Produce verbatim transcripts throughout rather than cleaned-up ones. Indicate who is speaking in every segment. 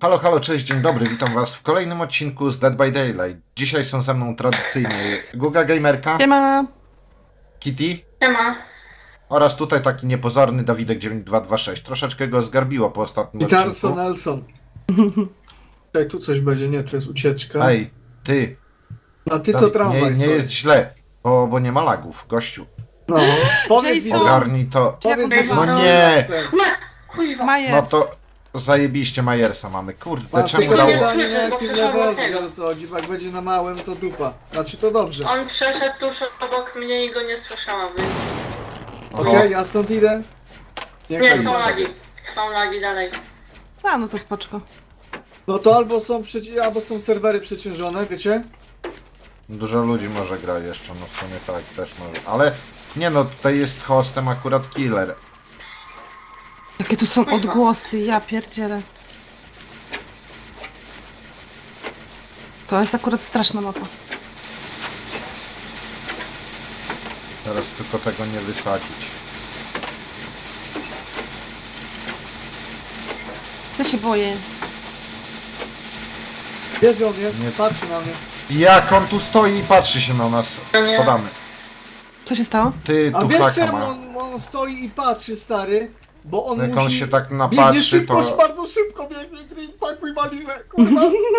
Speaker 1: Halo, halo, cześć, dzień dobry, witam was w kolejnym odcinku z Dead by Daylight. Dzisiaj są ze mną tradycyjnie Guga Gamerka,
Speaker 2: Siema.
Speaker 1: Kitty
Speaker 3: Siema.
Speaker 1: oraz tutaj taki niepozorny Dawidek dziewięć dwa dwa sześć. Troszeczkę go zgarbiło po ostatnim
Speaker 4: I
Speaker 1: odcinku.
Speaker 4: Carson Nelson. Tutaj tu coś będzie, nie, to jest ucieczka.
Speaker 1: Ej, ty,
Speaker 4: A ty to
Speaker 1: Dawid,
Speaker 4: tramwaj
Speaker 1: nie, nie
Speaker 4: stoi.
Speaker 1: jest źle, bo, bo nie ma lagów, gościu.
Speaker 4: No, powiedz mi,
Speaker 2: Jason.
Speaker 1: Ogarnij to.
Speaker 4: powiedz mi,
Speaker 3: No
Speaker 4: że-
Speaker 1: nie.
Speaker 3: Kuźwa.
Speaker 2: Majers.
Speaker 1: No to zajebiście Majersa mamy, kurde,
Speaker 4: Masz
Speaker 1: czemu
Speaker 4: tylko
Speaker 1: dało...
Speaker 3: nie
Speaker 4: pytanie, na
Speaker 3: słyszę, bo
Speaker 4: jakim
Speaker 3: przeszedł
Speaker 4: levelu,
Speaker 3: tego.
Speaker 4: ale co chodzi, bo jak będzie na małym, to dupa. Znaczy to dobrze.
Speaker 3: On przeszedł tuż obok mnie i go nie słyszałam, więc...
Speaker 4: Okej, ja stąd idę. Nie,
Speaker 3: Nie,
Speaker 4: idę
Speaker 3: są
Speaker 4: sobie.
Speaker 3: lagi. Są lagi dalej.
Speaker 2: A, no to spoczko.
Speaker 4: No to albo są, przeci- albo są serwery przeciążone, wiecie?
Speaker 1: Dużo ludzi może gra jeszcze, no w sumie tak też może, ale nie no, tutaj jest hostem akurat killer.
Speaker 2: Jakie tu są odgłosy, ja pierdzielę. To jest akurat straszna mapa.
Speaker 1: Teraz tylko tego nie wysadzić.
Speaker 2: Ja się boję.
Speaker 4: Wiesz, że on jest,
Speaker 1: Nie.
Speaker 4: patrzy na mnie.
Speaker 1: Jak on tu stoi i patrzy się na nas,
Speaker 3: Nie.
Speaker 1: spadamy.
Speaker 2: Co się stało?
Speaker 1: Ty
Speaker 4: A
Speaker 1: tu
Speaker 4: wiesz,
Speaker 1: haka
Speaker 4: czemu
Speaker 1: ma.
Speaker 4: on, on stoi i patrzy, stary? Bo on
Speaker 1: Jak
Speaker 4: musi...
Speaker 1: on się tak
Speaker 4: Biegnie
Speaker 1: napatrzy,
Speaker 4: szybko,
Speaker 1: to...
Speaker 4: bardzo szybko biegnie, Green, pakuj walizę, kurwa.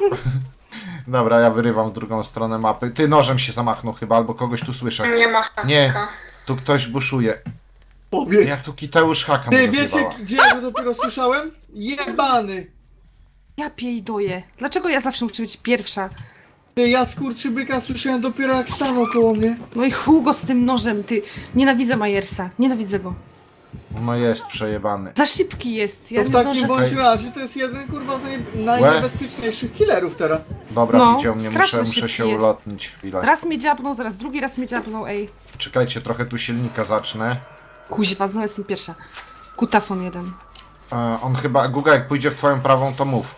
Speaker 1: Dobra, ja wyrywam w drugą stronę mapy. Ty nożem się zamachnął chyba, albo kogoś tu słyszę.
Speaker 3: Nie ma haka.
Speaker 1: Nie. Tu ktoś buszuje.
Speaker 4: Pobiegł.
Speaker 1: Jak tu Kiteusz haka
Speaker 4: Ty
Speaker 1: mnie
Speaker 4: wiecie,
Speaker 1: rozjebała.
Speaker 4: gdzie ja go dopiero słyszałem? Jebany!
Speaker 2: Ja piejdoję. Dlaczego ja zawsze muszę być pierwsza?
Speaker 4: Ty, ja skurczybyka słyszałem dopiero jak stanął koło mnie.
Speaker 2: No i Hugo z tym nożem, ty. Nienawidzę Majersa. Nienawidzę go.
Speaker 1: No jest przejebany.
Speaker 2: Za szybki jest. Ja
Speaker 4: To w
Speaker 2: nie
Speaker 4: takim
Speaker 2: zdążę...
Speaker 4: bądź
Speaker 1: Czekaj.
Speaker 4: razie to jest jeden kurwa z naj... najniebezpieczniejszych killerów teraz.
Speaker 1: Dobra,
Speaker 2: No,
Speaker 1: widział mnie,
Speaker 2: strasznie
Speaker 1: muszę, muszę
Speaker 2: szybki
Speaker 1: się
Speaker 2: jest.
Speaker 1: ulotnić chwilę.
Speaker 2: Raz mnie dziabnął, zaraz drugi raz mnie dziabnął, ej.
Speaker 1: Czekajcie, trochę tu silnika zacznę.
Speaker 2: Kuźwa, znowu jestem pierwsza. Kutafon jeden.
Speaker 1: E, on chyba, Guga, jak pójdzie w twoją prawą, to mów.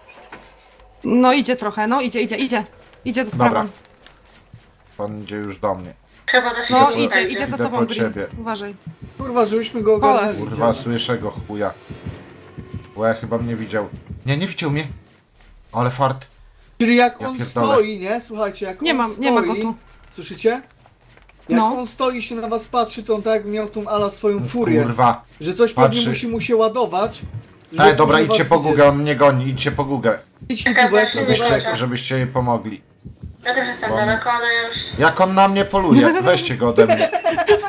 Speaker 2: No idzie trochę, no idzie, idzie, idzie. Idzie w
Speaker 1: Dobra.
Speaker 2: prawą.
Speaker 1: On idzie już do mnie.
Speaker 3: Chyba da się
Speaker 2: No
Speaker 3: go
Speaker 2: idzie,
Speaker 3: znajdzie.
Speaker 2: idzie za
Speaker 1: Idę
Speaker 2: tobą,
Speaker 1: po
Speaker 2: Green.
Speaker 1: ciebie.
Speaker 2: Uważaj.
Speaker 4: Kurwa, żebyśmy go ogarnęli.
Speaker 1: Kurwa, słyszę go chuja. Łe, chyba mnie widział. Nie, nie widział mnie. Ale fart.
Speaker 4: Czyli jak
Speaker 1: Ja
Speaker 4: on
Speaker 1: pierdolę.
Speaker 4: stoi, nie? Słuchajcie, jak
Speaker 2: Nie
Speaker 4: on
Speaker 2: mam,
Speaker 4: stoi...
Speaker 2: nie ma go tu.
Speaker 4: Słyszycie? Jak
Speaker 2: No.
Speaker 4: on stoi się na was patrzy, to on tak jakby miał tą ala swoją furię.
Speaker 1: Kurwa.
Speaker 4: Że coś
Speaker 1: Patrzy.
Speaker 4: pewnie musi mu się ładować. żeby
Speaker 1: Ej, dobra,
Speaker 4: kurwa
Speaker 1: idźcie po
Speaker 4: widzieć.
Speaker 1: Gugę, on mnie goni, idźcie po Gugę.
Speaker 4: Idź tu, bo ja się
Speaker 3: Dobra.
Speaker 1: Żebyście, żebyście jej pomogli.
Speaker 3: Ja też jestem
Speaker 1: Bo-
Speaker 3: daleko, ale już...
Speaker 1: Jak on na mnie poluje, weźcie go ode mnie.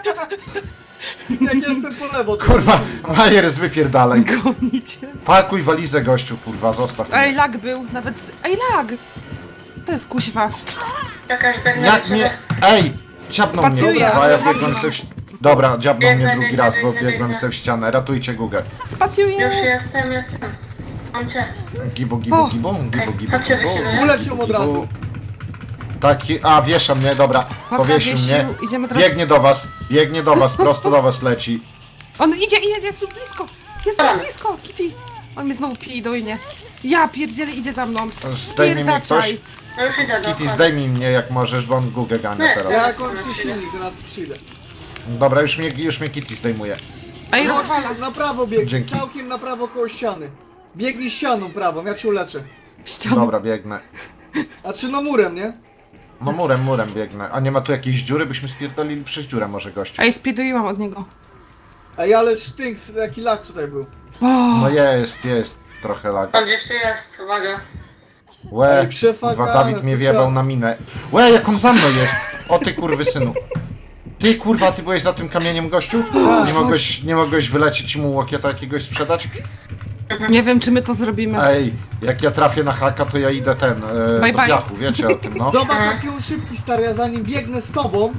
Speaker 4: Jak jestem po lewo, to...
Speaker 1: Kurwa, Majers wypierdalaj.
Speaker 2: Gonicie.
Speaker 1: Pakuj walizę, gościu, kurwa, zostaw
Speaker 2: Ej,
Speaker 1: mnie.
Speaker 2: lag był, nawet... Ej, lag! To jest kuźwa.
Speaker 3: Jakaś biegnę
Speaker 1: Jak
Speaker 3: do
Speaker 1: mnie...
Speaker 3: ciebie.
Speaker 1: Ej, dziabnął mnie,
Speaker 2: Spacuję.
Speaker 1: kurwa, ja
Speaker 4: Dobra.
Speaker 1: biegłem se w... ści- Dobra, dziabnął mnie
Speaker 3: Biegnę,
Speaker 1: drugi
Speaker 3: biegnę,
Speaker 1: raz, bo
Speaker 3: biegnę,
Speaker 1: biegłem
Speaker 3: biegnę.
Speaker 1: se w ścianę. Ratujcie Gugę.
Speaker 3: Już
Speaker 2: Spacjuję!
Speaker 3: jestem, jestem. Mam cię.
Speaker 1: Gibu, gibu,
Speaker 2: O.
Speaker 1: gibu, gibu, gibu,
Speaker 3: Chodźcie,
Speaker 1: gibu,
Speaker 3: wychylę.
Speaker 1: gibu,
Speaker 4: Uleć ją
Speaker 1: gibu,
Speaker 4: od razu.
Speaker 1: gibu. Taki, a wiesza mnie, dobra, powiesił mnie.
Speaker 2: Idziemy teraz...
Speaker 1: Biegnie do was, biegnie do was, prosto do was leci.
Speaker 2: On idzie, idzie, jest tu blisko! Jest tu blisko, Kitty! On mnie znowu pije dojnie. Ja pierdzielę, idzie za mną.
Speaker 1: Zdejmie mnie ktoś.
Speaker 2: Spierdaczaj.
Speaker 3: No już idę do
Speaker 1: Kitty, zdejmij mnie jak możesz, bo on Gugę gania
Speaker 3: Nie,
Speaker 1: teraz.
Speaker 4: Ja kończę silnik, zaraz przyjdę.
Speaker 1: Dobra, już mnie, już mnie Kitty zdejmuje.
Speaker 2: Ej,
Speaker 4: No,
Speaker 2: rozwala.
Speaker 4: na prawo biegnij,
Speaker 1: Dzięki.
Speaker 4: całkiem na prawo koło ściany. Biegnij ścianą prawą, ja cię uleczę.
Speaker 2: Ściana.
Speaker 1: Dobra, biegnę.
Speaker 4: A czy no murem, nie?
Speaker 1: No murem, murem biegnę. A nie ma tu jakiejś dziury? Byśmy spierdolili przez dziurę może, gościu.
Speaker 2: Ej, speeduiłam od niego.
Speaker 4: Ej, ale sztynks, jaki lak tutaj był.
Speaker 2: O,
Speaker 1: No jest, jest. Trochę lag.
Speaker 3: On gdzieś tu jest, uwaga.
Speaker 1: Łe,
Speaker 4: Ej, przefagane,
Speaker 1: kurwa, Dawid mnie
Speaker 4: to
Speaker 1: wjebał
Speaker 4: trzeba-
Speaker 1: na minę. Łe, jak on za mną jest! O ty kurwy synu. Ty kurwa, ty byłeś za tym kamieniem, gościu? Nie mogłeś, nie mogłeś wylecieć i mu łokieta jakiegoś sprzedać?
Speaker 2: nie wiem, czy my to zrobimy.
Speaker 1: Ej, jak ja trafię na haka, to ja idę ten, e,
Speaker 2: Bye,
Speaker 1: do
Speaker 2: bye.
Speaker 1: piachu, wiecie o tym, no?
Speaker 4: Zobacz jaki on szybki, stary, ja za nim biegnę z tobą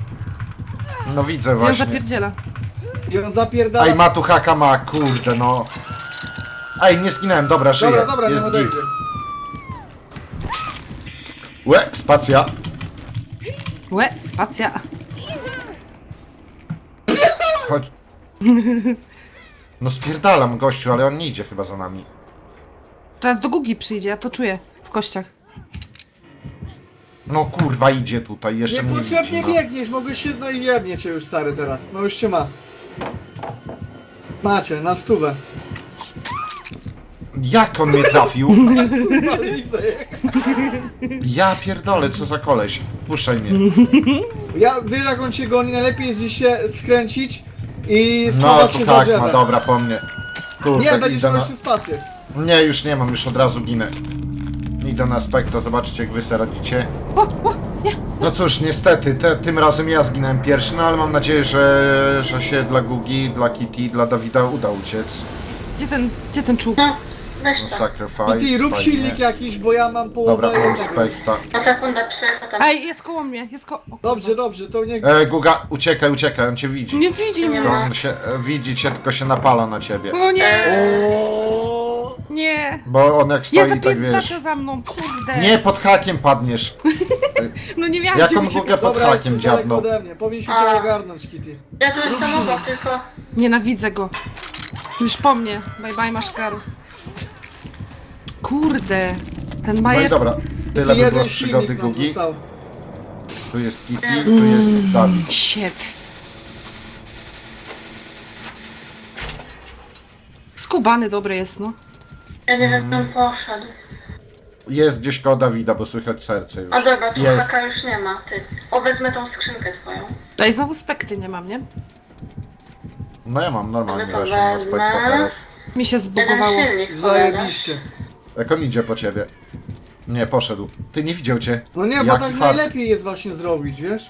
Speaker 1: No widzę
Speaker 2: Ja
Speaker 1: właśnie.
Speaker 2: zapierdziela.
Speaker 4: i on zapierdala.
Speaker 1: Ej, ma tu haka, ma, kurde, no. Ej, nie zginąłem, dobra, żyję,
Speaker 4: Dobra, dobra, nie
Speaker 1: jest git.
Speaker 4: odejdzie.
Speaker 1: Łe, spacja.
Speaker 2: Łe, spacja.
Speaker 1: Chodź. No spierdalam, gościu, ale on nie idzie chyba za nami.
Speaker 2: Teraz do Gugi przyjdzie, ja to czuję w kościach.
Speaker 1: No kurwa, idzie tutaj, jeszcze mnie widzi.
Speaker 4: Niepotrzebnie
Speaker 1: No.
Speaker 4: biegniesz, mogłeś się, no i jebnie cię już stary teraz. No już cię ma. Macie, na stówę.
Speaker 1: Jak on mnie trafił?
Speaker 4: Kurwa, Lizę.
Speaker 1: Ja pierdolę, co za koleś. Puszczaj mnie.
Speaker 4: Ja, wiesz jak on cię goni, najlepiej jest gdzieś się skręcić i
Speaker 1: No,
Speaker 4: schować się
Speaker 1: tu
Speaker 4: za
Speaker 1: tak,
Speaker 4: drzewem.
Speaker 1: no dobra, po mnie.
Speaker 4: Nie,
Speaker 1: Kurde,
Speaker 4: będziesz
Speaker 1: idę
Speaker 4: miał
Speaker 1: na...
Speaker 4: jeszcze spację.
Speaker 1: Nie, już nie mam, już od razu ginę. Idę na Spectra, zobaczcie jak wy se radzicie.
Speaker 2: O, o, nie.
Speaker 1: No cóż, niestety, te, tym razem ja zginąłem pierwszy, no ale mam nadzieję, że, że się dla Gugi, dla Kitty, dla Dawida uda uciec.
Speaker 2: Gdzie ten, gdzie ten czub?
Speaker 3: No, weź
Speaker 1: No,
Speaker 3: to.
Speaker 1: sacrifice,
Speaker 4: I ty rób
Speaker 1: fajnie.
Speaker 4: silnik jakiś, bo ja mam połowę
Speaker 1: Dobra, mam
Speaker 4: jednego.
Speaker 1: Spectra.
Speaker 3: Na sekundę przyjechał tam.
Speaker 2: Ej, jest koło mnie, jest koło... o, kurwa.
Speaker 4: Dobrze, dobrze, to niech...
Speaker 1: E, Guga, uciekaj, uciekaj, on cię widzi.
Speaker 2: Nie widzi mnie.
Speaker 1: To on się, e, widzi cię, tylko się napala na ciebie.
Speaker 2: O nie,
Speaker 4: O.
Speaker 2: nie.
Speaker 1: Bo on jak
Speaker 2: Nie
Speaker 1: stoi, tak wiesz...
Speaker 2: zapierdacza za mną, kurde.
Speaker 1: Nie, pod hakiem padniesz.
Speaker 2: No nie miałam
Speaker 1: Jak
Speaker 2: cię
Speaker 1: on
Speaker 2: uciekać.
Speaker 1: Gugę pod
Speaker 4: Dobra,
Speaker 1: hakiem
Speaker 4: jesteś daleko
Speaker 1: dziabnął.
Speaker 4: ode mnie, powinniśmy
Speaker 3: A.
Speaker 4: to ogarnąć, Kitty.
Speaker 3: Ja tu jestem obok, tylko...
Speaker 2: Nienawidzę go. Już po mnie. Bye bye, maszkaru. Kurde. Ten
Speaker 1: No i
Speaker 2: Majers...
Speaker 1: dobra, tyle by
Speaker 4: Jeden
Speaker 1: było z przygody
Speaker 4: silnik nam
Speaker 1: Gugi.
Speaker 4: został.
Speaker 1: Tu jest Kitty, tu jest Dawid.
Speaker 2: Shit. Skubany dobry jest, no.
Speaker 3: Ja nie wiem, gdzie on poszedł.
Speaker 1: Jest gdzieś koło Dawida, bo słychać serce już.
Speaker 3: A dobra, tu
Speaker 1: Jest.
Speaker 3: haka już nie ma, ty. O, wezmę tą skrzynkę twoją.
Speaker 2: Daj, znowu spekty nie mam, nie?
Speaker 1: No ja mam normalnie
Speaker 3: Ale to
Speaker 1: weszłem na
Speaker 3: wezmę.
Speaker 1: Spectra teraz.
Speaker 2: Mi się
Speaker 3: Jeden
Speaker 2: zbugowało.
Speaker 3: silnik, cholera.
Speaker 4: Zajebiście.
Speaker 1: Jak on idzie po ciebie? Nie, poszedł. Ty nie widział cię.
Speaker 4: No nie, bo
Speaker 1: Jaki
Speaker 4: tak
Speaker 1: fart.
Speaker 4: najlepiej jest właśnie zrobić, wiesz?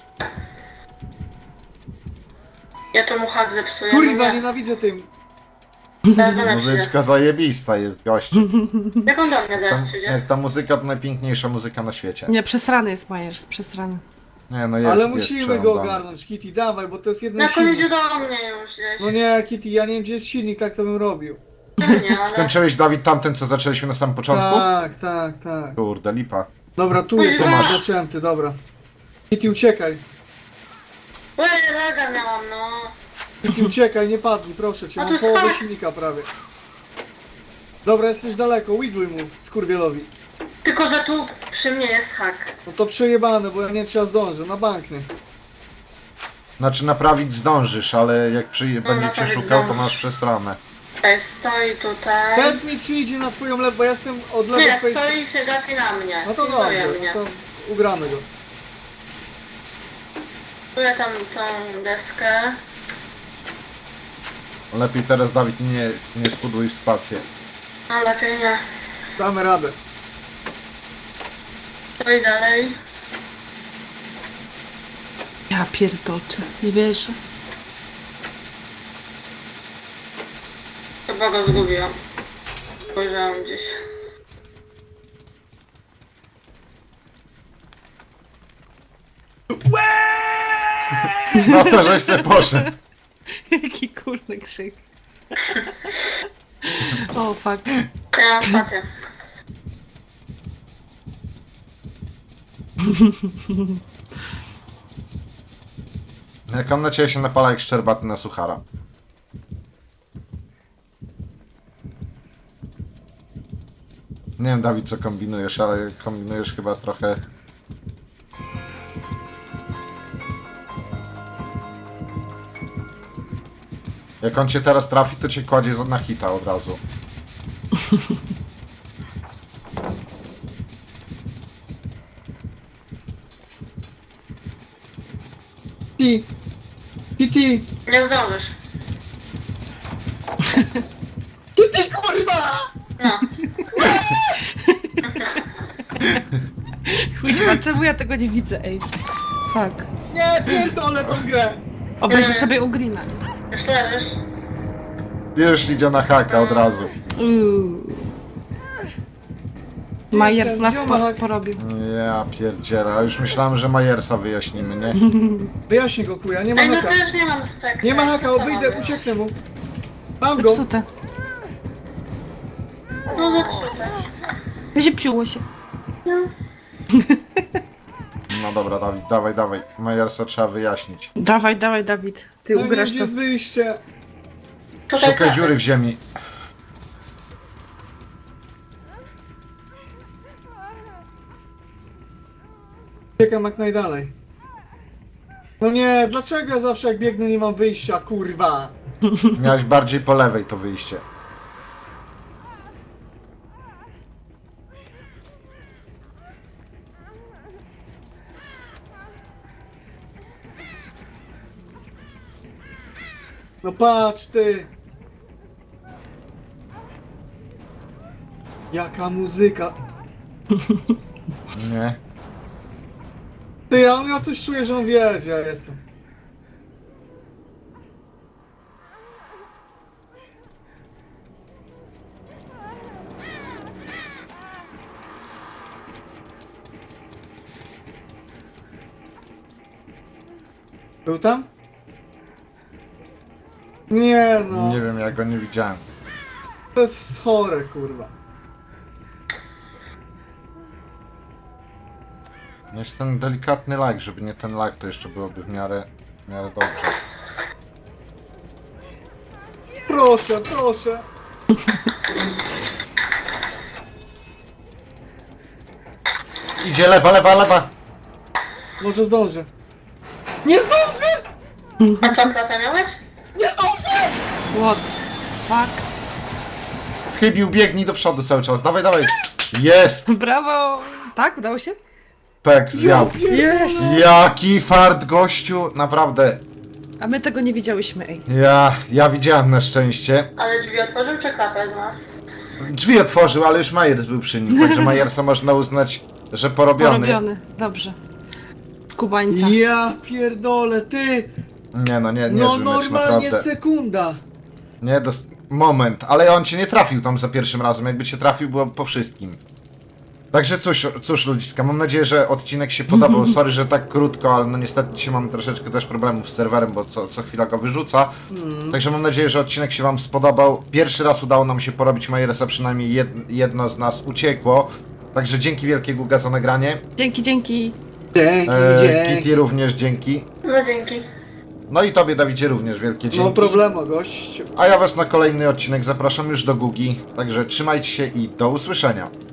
Speaker 3: Ja tu mu hak zepsuję. no
Speaker 4: Kurwa,
Speaker 3: nie.
Speaker 4: nienawidzę tym.
Speaker 3: Zaraz do mnie przyjdzie.
Speaker 1: Muzyczka zajebista jest, gościu.
Speaker 3: Jak on do mnie
Speaker 1: Tam,
Speaker 3: zaraz przyjdzie?
Speaker 1: jak ta muzyka to najpiękniejsza muzyka na świecie.
Speaker 2: Nie, przesrany jest Majers, przesrany.
Speaker 1: Nie, no jest,
Speaker 4: Ale
Speaker 1: jest
Speaker 4: musimy go
Speaker 1: przerąbany.
Speaker 4: ogarnąć, Kitty, dawaj, bo to jest jeden
Speaker 3: Jak on idzie
Speaker 4: silnik.
Speaker 3: do mnie już gdzieś.
Speaker 4: No nie, Kitty, ja nie wiem gdzie jest silnik, tak to bym robił.
Speaker 3: Nie, ale...
Speaker 1: Skończyłeś, Dawid, tamten, co zaczęliśmy na samym początku?
Speaker 4: Tak, tak, tak.
Speaker 1: Kurde, lipa.
Speaker 4: Dobra, tu
Speaker 3: Oj,
Speaker 4: jest
Speaker 3: tu
Speaker 1: masz.
Speaker 4: zaczęty, dobra. Kitty, uciekaj.
Speaker 3: Ej, raga miałam, no.
Speaker 4: Kitty, uciekaj, nie padnij, proszę cię,
Speaker 3: A
Speaker 4: mam
Speaker 3: to
Speaker 4: połowę
Speaker 3: skąd?
Speaker 4: silnika prawie. Dobra, jesteś daleko, widluj mu, skurwielowi.
Speaker 3: Tylko, że tu przy mnie jest hak.
Speaker 4: No to przejebane, bo ja nie trzeba zdążę, na bank nie.
Speaker 1: Znaczy naprawić zdążysz, ale jak przy... będziecie
Speaker 3: naprawić
Speaker 1: szukał, to
Speaker 3: zdążysz.
Speaker 1: masz przesrane.
Speaker 3: Ej, stoi tutaj.
Speaker 4: Powiedz mi, czy idzie na twoją lewo, bo ja jestem od lewej
Speaker 3: Nie,
Speaker 4: twojej
Speaker 3: stoi i się gapi na mnie.
Speaker 4: No to
Speaker 3: Pilnuje
Speaker 4: dobrze,
Speaker 3: mnie.
Speaker 4: no to ugramy go.
Speaker 3: Czuję tam tą deskę.
Speaker 1: Lepiej teraz, Dawid, nie, nie spudłuj w spację.
Speaker 3: No lepiej nie.
Speaker 4: Damy radę.
Speaker 3: Stoi dalej.
Speaker 2: Ja pierdoczę, nie wierzę.
Speaker 3: Chyba go zgubiłam. Spojrzałam gdzieś.
Speaker 1: No to żeś se poszedł.
Speaker 2: Jaki kurde krzyk. O, fuck.
Speaker 3: Ja mam spację.
Speaker 1: Jak on na ciebie się napala jak szczerbaty na suchara. Nie wiem, Dawid, co kombinujesz, ale kombinujesz chyba trochę... Jak on cię teraz trafi, to cię kładzie na hita od razu.
Speaker 4: Kitty! Kitty!
Speaker 3: Nie zdążysz.
Speaker 4: Kitty, kurwa!
Speaker 3: No.
Speaker 2: Chuźma, czemu ja tego nie widzę, ej? Fuck.
Speaker 4: Nie, pierdolę tą grę!
Speaker 2: Obejrzę sobie u Greena.
Speaker 3: Już leżysz.
Speaker 1: Już idzie na haka od razu.
Speaker 2: Uuu. Majers
Speaker 4: Jestem,
Speaker 2: nas
Speaker 4: gdzie
Speaker 2: po,
Speaker 4: on ma hak?
Speaker 2: porobił.
Speaker 1: Ja pierdzielę, a już myślałem, że Majersa wyjaśnimy, nie?
Speaker 4: Wyjaśnij go, kuja, nie ma
Speaker 3: Ej, no
Speaker 4: haka.
Speaker 3: to już nie mam spektra.
Speaker 4: Nie ma haka,
Speaker 3: Co
Speaker 4: odejdę,
Speaker 3: mamy?
Speaker 4: ucieknę mu. Mam go!
Speaker 2: Zepsute.
Speaker 3: No zepsute.
Speaker 2: Ziepsiło się.
Speaker 1: No dobra, Dawid, dawaj, dawaj. Majersa trzeba wyjaśnić.
Speaker 2: Dawaj, dawaj, Dawid. Ty
Speaker 4: No nie,
Speaker 2: ugrasz
Speaker 4: gdzie
Speaker 2: to.
Speaker 4: jest wyjście?
Speaker 3: Tutaj
Speaker 1: Szukaj
Speaker 3: tak.
Speaker 1: dziury w ziemi.
Speaker 4: Uciekam jak najdalej. No nie, dlaczego ja zawsze jak biegnę nie mam wyjścia, kurwa?
Speaker 1: Miałeś bardziej po lewej to wyjście.
Speaker 4: No patrz ty! Jaka muzyka!
Speaker 1: Nie.
Speaker 4: Ty, ja, ja coś czuję, że on wie, gdzie ja jestem. Był tam? Nie no,
Speaker 1: Nie wiem, ja go nie widziałem.
Speaker 4: to jest chore, kurwa.
Speaker 1: Jest ten delikatny lag, żeby nie ten lag, to jeszcze byłoby w miarę, w miarę dobrze.
Speaker 4: Proszę, proszę.
Speaker 1: Idzie lewa, lewa, lewa!
Speaker 4: Może zdążę. Nie zdążę!
Speaker 3: A co, klatę miałeś?
Speaker 4: Nie zdążę!
Speaker 2: What? Fuck.
Speaker 1: Chybił, biegnij do przodu cały czas, dawaj, dawaj! Jest!
Speaker 2: Brawo! Tak, udało się?
Speaker 1: Tak, zwiał.
Speaker 2: Jest!
Speaker 1: Jaki fart, gościu, naprawdę.
Speaker 2: A my tego nie widziałyśmy, ej.
Speaker 1: Ja, ja widziałem na szczęście.
Speaker 3: Ale drzwi otworzył czy klapę z nas?
Speaker 1: Drzwi otworzył, ale już Majers był przy nim, także Majersa można uznać, że porobiony.
Speaker 2: Porobiony, dobrze. Skubańca.
Speaker 4: Ja pierdolę, ty!
Speaker 1: Nie no, nie, nie
Speaker 4: No
Speaker 1: zły mecz,
Speaker 4: normalnie
Speaker 1: naprawdę.
Speaker 4: sekunda.
Speaker 1: Nie, dos... moment, ale on cię nie trafił tam za pierwszym razem, jakby cię trafił, było po wszystkim. Także cóż, cóż ludziska, mam nadzieję, że odcinek się podobał. Sorry, że tak krótko, ale no niestety dzisiaj mamy troszeczkę też problemów z serwerem, bo co, co chwila go wyrzuca.
Speaker 4: Mm.
Speaker 1: Także mam nadzieję, że odcinek się wam spodobał. Pierwszy raz udało nam się porobić Majersa, przynajmniej jed, jedno z nas uciekło. Także dzięki wielkie Guga za nagranie.
Speaker 2: Dzięki, dzięki.
Speaker 4: Dzięki,
Speaker 1: E,
Speaker 4: dzięki.
Speaker 1: Kitty również dzięki.
Speaker 3: No dzięki.
Speaker 1: No i tobie, Dawidzie, również wielkie dzięki.
Speaker 4: No problemu, gościu.
Speaker 1: A ja was na kolejny odcinek zapraszam już do Gugi. Także trzymajcie się i do usłyszenia.